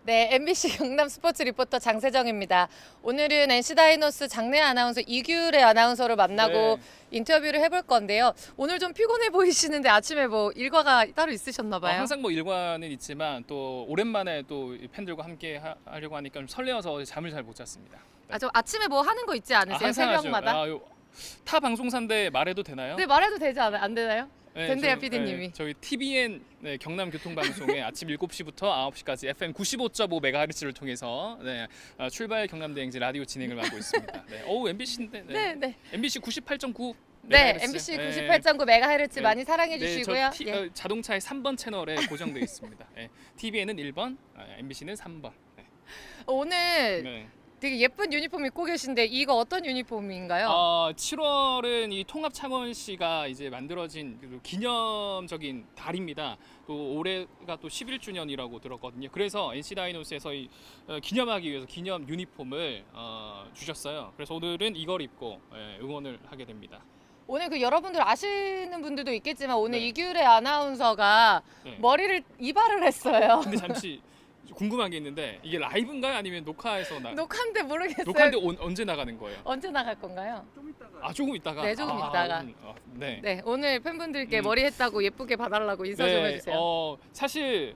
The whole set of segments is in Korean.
네, MBC 경남 스포츠 리포터 장세정입니다. 오늘은 NC 다이노스 장내 아나운서 이규래 아나운서를 만나고 네. 인터뷰를 해볼 건데요. 오늘 좀 피곤해 보이시는데 아침에 뭐 일과가 따로 있으셨나 봐요. 항상 뭐 일과는 있지만 또 오랜만에 또 팬들과 함께 하려고 하니까 좀 설레어서 잠을 잘 못 잤습니다. 네. 저 아침에 뭐 하는 거 있지 않으세요? 항상 새벽마다? 타 방송사인데 말해도 되나요? 네, 말해도 되지 않아요? 안 되나요? 네, 된대요, PD님이. 저희 TBN 경남 교통방송에 아침 7시부터 9시까지 FM 95.5MHz를 통해서 출발 경남대행진 라디오 진행을 맡고 있습니다. 네. MBC인데. 네, 네. MBC 98.9. 네, MBC 98.9MHz 네. 많이 사랑해 네, 주시고요. 저 자동차의 3번 채널에 고정되어 있습니다. 네. TVN은 1번, MBC는 3번. 네. 오늘 네. 되게 예쁜 유니폼 입고 계신데 이거 어떤 유니폼인가요? 7월은 이 통합창원시가 이제 만들어진 그 기념적인 달입니다. 또 올해가 또 11주년이라고 들었거든요. 그래서 NC 다이노스에서 기념하기 위해서 기념 유니폼을 주셨어요. 그래서 오늘은 이걸 입고 응원을 하게 됩니다. 오늘 그 여러분들 아시는 분들도 있겠지만 오늘 네. 이규래 아나운서가 네. 머리를 이발을 했어요. 근데 잠시 궁금한 게 있는데 이게 라이브인가요? 아니면 녹화해서 녹화인데 모르겠어요. 녹화인데 언제 나가는 거예요? 언제 나갈 건가요? 조금 있다가. 네, 조금 있다가. 네. 네, 오늘 팬분들께 음. 머리 했다고 예쁘게 봐달라고 인사 좀 해주세요. 사실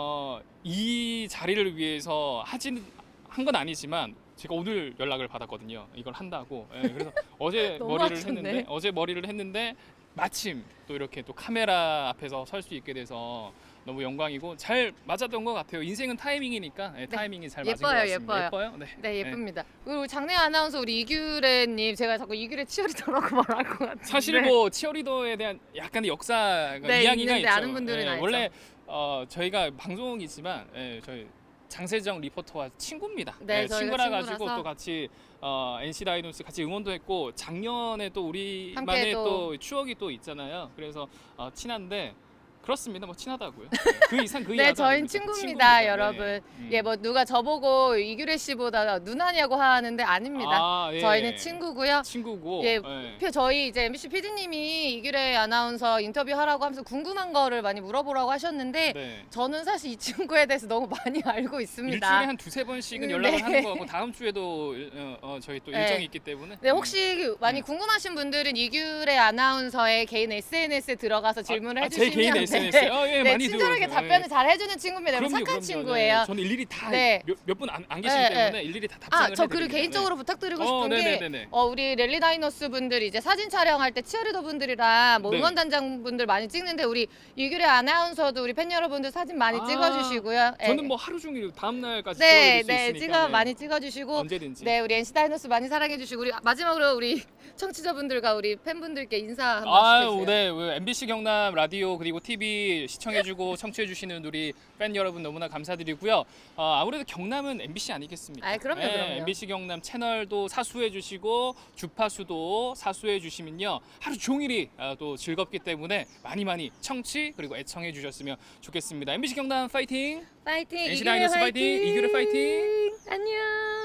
이 자리를 위해서 한 건 아니지만 제가 오늘 연락을 받았거든요. 이걸 한다고. 그래서 어제 너무 머리를 했는데 마침 또 이렇게 또 카메라 앞에서 설 수 있게 돼서 너무 영광이고 잘 맞았던 것 같아요. 인생은 타이밍이니까 타이밍이 잘 맞은 것 같습니다. 예뻐요. 네. 네, 예쁩니다. 그리고 장내 아나운서 우리 이규래님, 제가 자꾸 이규래 치어리더라고 말할 것 같은데. 사실 뭐 치어리더에 대한 약간의 역사가 이야기가 있는데 있죠. 아는 분들은 알죠. 원래 저희가 방송이지만 저희 장세정 리포터와 친구입니다. 네, 저희가 친구라 가지고 친구라서. 또 같이 NC 다이노스 같이 응원도 했고 작년에 또 함께 우리만의 또- 또 추억이 또 있잖아요. 그래서 친한데 그렇습니다. 뭐 친하다고요. 그 이상 그 네, 이하도 저희는 아닙니다. 친구입니다, 네. 여러분. 뭐 누가 저보고 이규래 씨보다 누나냐고 하는데 아닙니다. 저희는 친구고요. 친구고. 예, 저희 이제 MBC PD님이 이규래 아나운서 인터뷰하라고 하면서 궁금한 거를 많이 물어보라고 하셨는데 네. 저는 사실 이 친구에 대해서 너무 많이 알고 있습니다. 일주일에 한 두세 번씩은 네. 연락을 하는 거고 다음 주에도 저희 또 네. 일정이 있기 때문에. 네, 혹시 많이 궁금하신 분들은 이규래 아나운서의 개인 SNS에 들어가서 질문을 제 해주시면 개인 SNS에 네, 많이 친절하게 들어오세요. 답변을 잘 해주는 친구입니다. 너무 착한 그럼요. 친구예요. 네, 저는 일일이 다 네. 몇 분 안 계시기 네, 때문에 네. 일일이 다 답장을 저 그리고 해드립니다. 개인적으로 부탁드리고 싶은 게 네네네네. 우리 랠리 다이노스 분들이 이제 사진 촬영할 때 치어리더 분들이랑 뭐 네. 응원단장 분들 많이 찍는데 우리 이규래 아나운서도 우리 팬 여러분들 사진 많이 찍어주시고요. 저는 뭐 하루 종일 다음 날까지 네, 찍어드릴 수 있으니까 많이 찍어주시고 언제든지. 네, 우리 NC 다이노스 많이 사랑해주시고 우리 마지막으로 우리 청취자분들과 우리 팬분들께 인사 한번 해주세요. 네. MBC 경남 라디오 그리고 TV 시청해주고 청취해주시는 우리 팬 여러분 너무나 감사드리고요. 아무래도 경남은 MBC 아니겠습니까? 그럼요. MBC 경남 채널도 사수해주시고 주파수도 사수해주시면요 하루 종일이 또 즐겁기 때문에 많이 청취 그리고 애청해주셨으면 좋겠습니다. MBC 경남 파이팅! 파이팅! NC 이규래 다이노스 파이팅! 이규래 파이팅! 안녕!